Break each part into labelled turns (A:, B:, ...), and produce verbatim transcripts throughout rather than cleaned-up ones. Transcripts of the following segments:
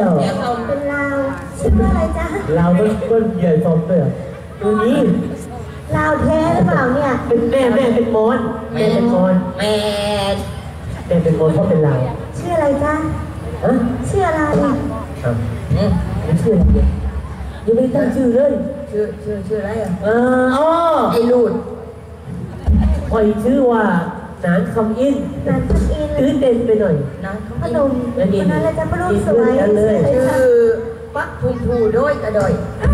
A: เป็นลาวชื่อว่าอะไรจ๊ะ
B: ลาวมันมันใหญ่สมเลยตัวนี้
A: ลาวแท้หรือเปล่าเนี่ย
B: เป็นแม่แม่เป็นมอนแม่เป็นมอน
C: แม่
B: แม่เป็นมอนเพราะเป็นลาว
A: ชื่ออะไรจ๊ะ
B: ฮะ
A: ชื่ออะไร
B: ครับไม่ชื่ออะไรยังไม่ตั้งชื่อเลย
C: ชื่อชื่อชื่ออะไรอ่ะ
B: เอออ๋อ
C: ไอ้ลูด
B: คอยชื่อว่าหนานคำอิน
A: หนานคำอิน
B: ชื่อเด่นไปหน่อย
C: หนาน
A: พนมคนนั้นเลยจะพนมสวย
C: ชื่อปักภูภูโดยกระดอย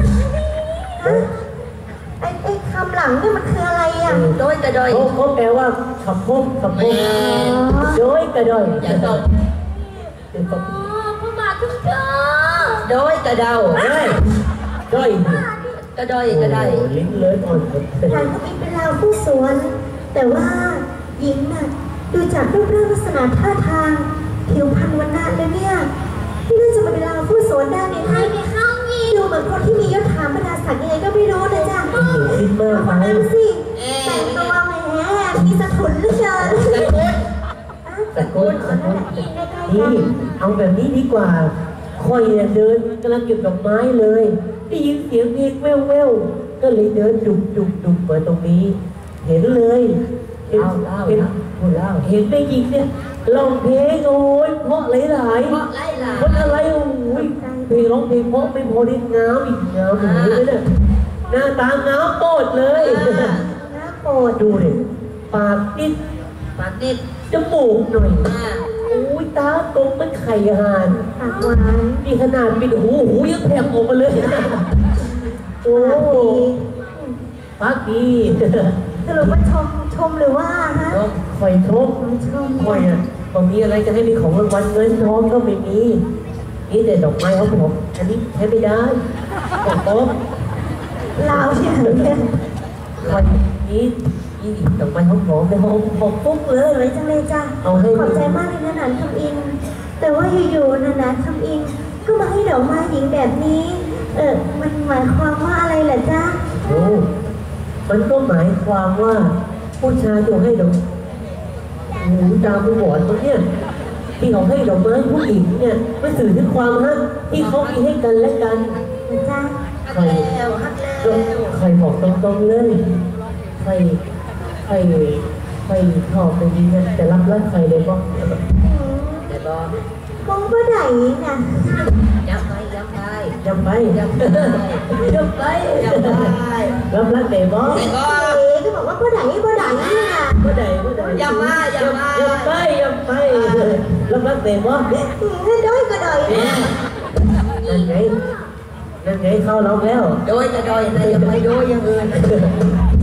A: ไอ้ไอ้คำหลังนี่มันคืออะไรอ่ะ
C: โดยกระดอย
B: เขาแปลว่าขับพุ่มขับพุ่มโดยกระดอย
C: อย่าตก
A: อ๋อพระบาททุกเจ้า
C: โดยกระเดา
B: เฮ้ยด้อย
C: กระดอยกระได
B: ลิ้นเลยอ่อน
A: หลานก็มีเป็นลาวผู้สวนแต่ว่าหญิงน่ะดูจากรูปร่างลักษณะท่าทางผิวพรรณวันณะแล้วเนี่ยที่น่าจะมาเป็นลาวผู้สวนได้ในไทยในข้าวงี้ดูเหมือนคนที่มียศถาบรรดาศักดิ์ยังไงก็ไม่รู้นะจ๊ะ
B: คิดมาก
A: ไปดูสิแต่งตัวแหมมีสะทุนเหลือเกิน
B: ตะโกนตะโกนนี่เอาแบบนี้ดีกว่าคอยเดินกำลังเก็บดอกไม้เลยได้ยินเสียงเพลงแว่วแว่วก็เลยเดินดุบดุบดุบมาตรงนี้เห็นเลย
C: เล่าเล่าเล่าพูดเล่า
B: เห็นได้ยินเนี่ยร้องเพลงโอ้ยเพราะหลายหลาย
C: เพราะหลายหลาย
B: คนอะไรโอ้ยเพลงร้องเพลงเพราะไม่พอได้งามอีกงามเลยเนี่ยหน้าตางามโปดเลย
A: หน้าโปด
B: ดูเลยปากนิด
C: ปากนิด
B: จมูกหน่อยโอ้ยตากลมมันไข่ห่าน
A: ปากหวาน
B: มีขนาดปิดหูหูยังแผลออกมาเลยโอ้ปากดี
A: สรุปว่าชมชมหรือว่าฮะ
B: คอยชม
A: ชม
B: คอยอ่ะบางทีอะไรจะให้มีของรางวัลเงินทองก็ไม่มีนี่แต่ดอกไม้เขาผมอันนี้ใช้ไม่ได้ของโต๊ะ
A: ลาวที่ไหนเนี่ย
B: คอยนี้นี่ดอกไม้เขาหอมเลยหอมหอมปุ๊บเลย
A: เลยจังเลยจ้ะ
B: เอาให้
A: ขอบใจมากเลยนะนันทำอินแต่ว่าอยู่ๆนะนันทำอินก็มาให้ดอกไม้หญิงแบบนี้เออมันหมายความว่าอะไรล่ะจ๊ะ
B: โอ้มันก็หมายความว่าผู้ชายที่ให้ดอกหูตาผู้บอดตัวเนี้ยที่เขาให้ดอกไม้ผู้หญิงเนี่ยมันสื่อถึงความฮักที่เขามีให้กันและกัน
A: นะจ๊ะ
B: ใครใครบอกตรงๆเลยใครใครใครชอบไปดีนะแต่รับรักใครเลยบ้าง
C: แต่บ้าง
A: คงก็ได้นะ
C: ยังไปยังไป
B: ยังไป
C: ยังไป
B: ยังไป
C: ยังไป
B: รับรักแต่บ้าง
C: แต่ก็
A: ก็บอกว่าก็ได้ก็ได้นี่นะ
B: ก็ได้ก็ได้
C: ยังมายังมา
B: ยังไปยังไปรับรักแต่บ้าง
A: ถ้าด้วยก็ได้
B: นั่นไงนั่นไงเข้าล็อกแล้ว
C: โดยจะโดยแต่ยังไม่โดยยังอื่น